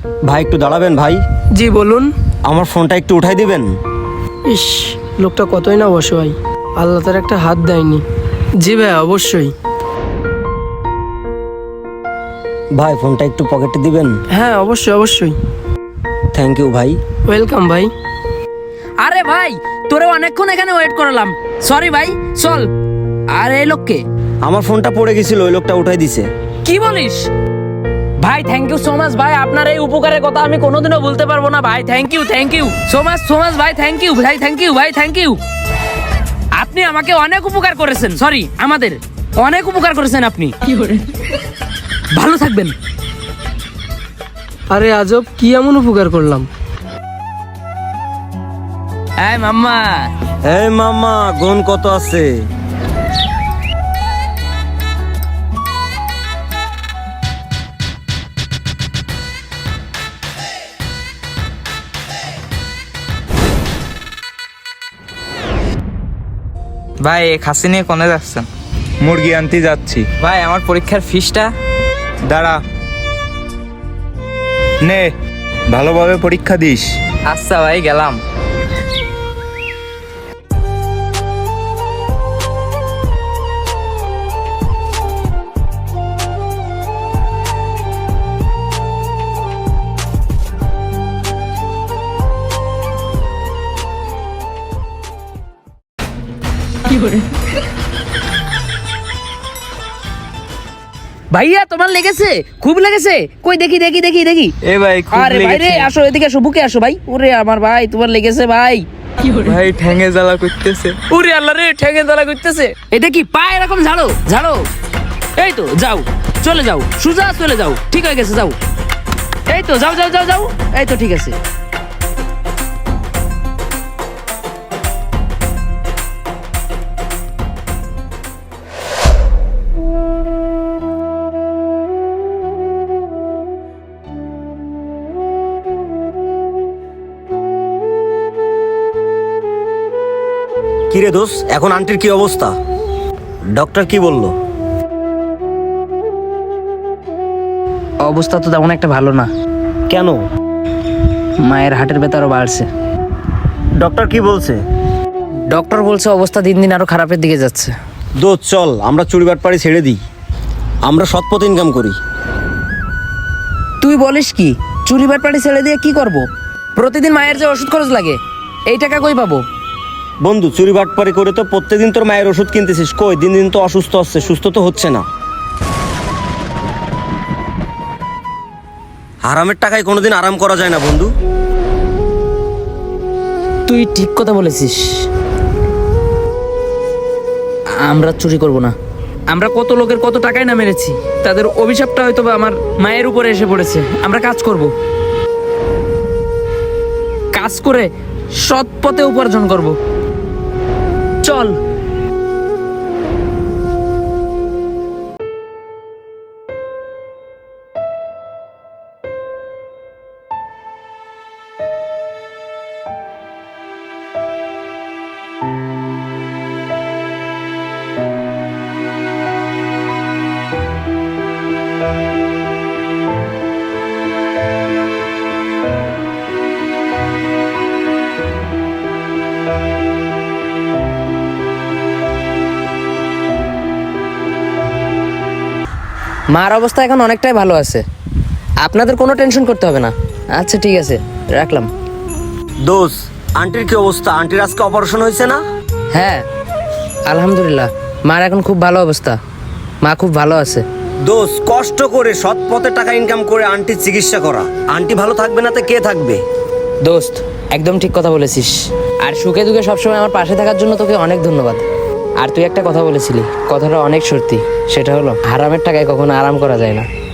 ভাই একটু দাঁড়াবেন ভাই, জি বলুন। আমার ফোনটা একটু উঠাই দিবেন। ইস, লোকটা কতই না অসহায়, আল্লাহ তার একটা হাত দেয়নি। জি ভাই, অবশ্যই। ভাই ফোনটা একটু পকেটে দিবেন। হ্যাঁ, অবশ্যই অবশ্যই। থ্যাংক ইউ ভাই। ওয়েলকাম ভাই। আরে ভাই, তোরে অনেকক্ষণ এখানে ওয়েট করালাম। সরি ভাই, চল। আর এই লোককে আমার ফোনটা পড়ে গেছিল, ওই লোকটা উঠাই দিছে। কি বলিস? ভাই থ্যাংক ইউ সো মাচ ভাই, আপনার এই উপকারের কথা আমি কোনোদিনও ভুলতে পারবো না ভাই। থ্যাংক ইউ সো মাচ ভাই, থ্যাংক ইউ ভাই, থ্যাংক ইউ। আপনি আমাকে অনেক উপকার করেছেন, সরি আমাদের অনেক উপকার করেছেন আপনি। ভালো থাকবেন। আরে আজব, কি এমন উপকার করলাম? এই মাম্মা, এই মামা, গুণ কত আছে? ভাই এই খাসি নিয়ে কোনে যাচ্ছেন? মুরগি আনতে যাচ্ছি। ভাই আমার পরীক্ষার ফিসটা। দাঁড়া, নে ভালোভাবে পরীক্ষা দিস। আচ্ছা ভাই, গেলাম। ভাইয়া তোমার লেগেছে? খুব লেগেছে? কই দেখি। এ ভাই খুব আরে ভাই রে, লেগেছে। আসো এদিকে, আসো বুকে আসো ভাই। ওরে আমার ভাই, তোমার লেগেছে ভাই। ভাই ঠ্যাঙে জ্বালা করতেছে। ওরে আল্লাহ রে, ঠেঙে দলা করতেছে। এটা কি পা এরকম ঝাড়ো। এই তো যাও, চলে যাও, সোজা চলে যাও, ঠিক হয়ে গেছে, যাও। এই তো যাও। এই তো ঠিক আছে। কিরে দোষ, এখন আন্টির কি অবস্থা? ডক্টর কি বললো? অবস্থা তো তেমন একটা ভালো না। কেন? মায়ের হার্টের ব্যথা আরো বাড়ছে। ডক্টর কি বলছে? ডক্টর বলছে অবস্থা দিন দিন আরো খারাপের দিকে যাচ্ছে। দোষ চল, আমরা চুরিবাটপাড়ি ছেড়ে দিই, আমরা সৎ পথে ইনকাম করি। তুই বলিস কি? চুরি বাটপাটি ছেড়ে দিয়ে কি করব? প্রতিদিন মায়ের যে ওষুধ খরচ লাগে, এই টাকা কই পাবো? বন্ধু, চুরিবাটপাড়ি করে তো প্রত্যেকদিন তোর মায়ের ওষুধ কিনতেছিস, কই দিন দিন তো অসুস্থ হচ্ছে, সুস্থ তো হচ্ছে না। হারামের টাকায় কোনোদিন আরাম করা যায় না বন্ধু। তুই ঠিক কথা বলেছিস। আমরা চুরি করব না। আমরা কত লোকের কত টাকাই না মেরেছি, তাদের অভিশাপটা হয়তো বা আমার মায়ের উপরে এসে পড়েছে। আমরা কাজ করব, কাজ করে সৎ পথে উপার্জন করব। চল। মার অবস্থা এখন অনেকটাই ভালো আছে, আপনাদের কোনো টেনশন করতে হবে না। আচ্ছা ঠিক আছে, রাখলাম। দোষ, আন্টির কি অবস্থা? আন্টির আজকে অপারেশন হয়েছে না? হ্যাঁ আলহামদুলিল্লাহ, মার এখন খুব ভালো অবস্থা, মা খুব ভালো আছে। দোষ, কষ্ট করে সৎ পথে টাকা ইনকাম করে আন্টির চিকিৎসা করা। আন্টি ভালো থাকবে না তো কে থাকবে? দোস্ত, একদম ঠিক কথা বলেছিস। আর সুখে দুঃখে সবসময় আমার পাশে থাকার জন্য তোকে অনেক ধন্যবাদ। আর তুই একটা কথা বলেছিলি, কথাটা অনেক সত্যি। সেটা হলো হারামের টাকায় কখনো আরাম করা যায় না।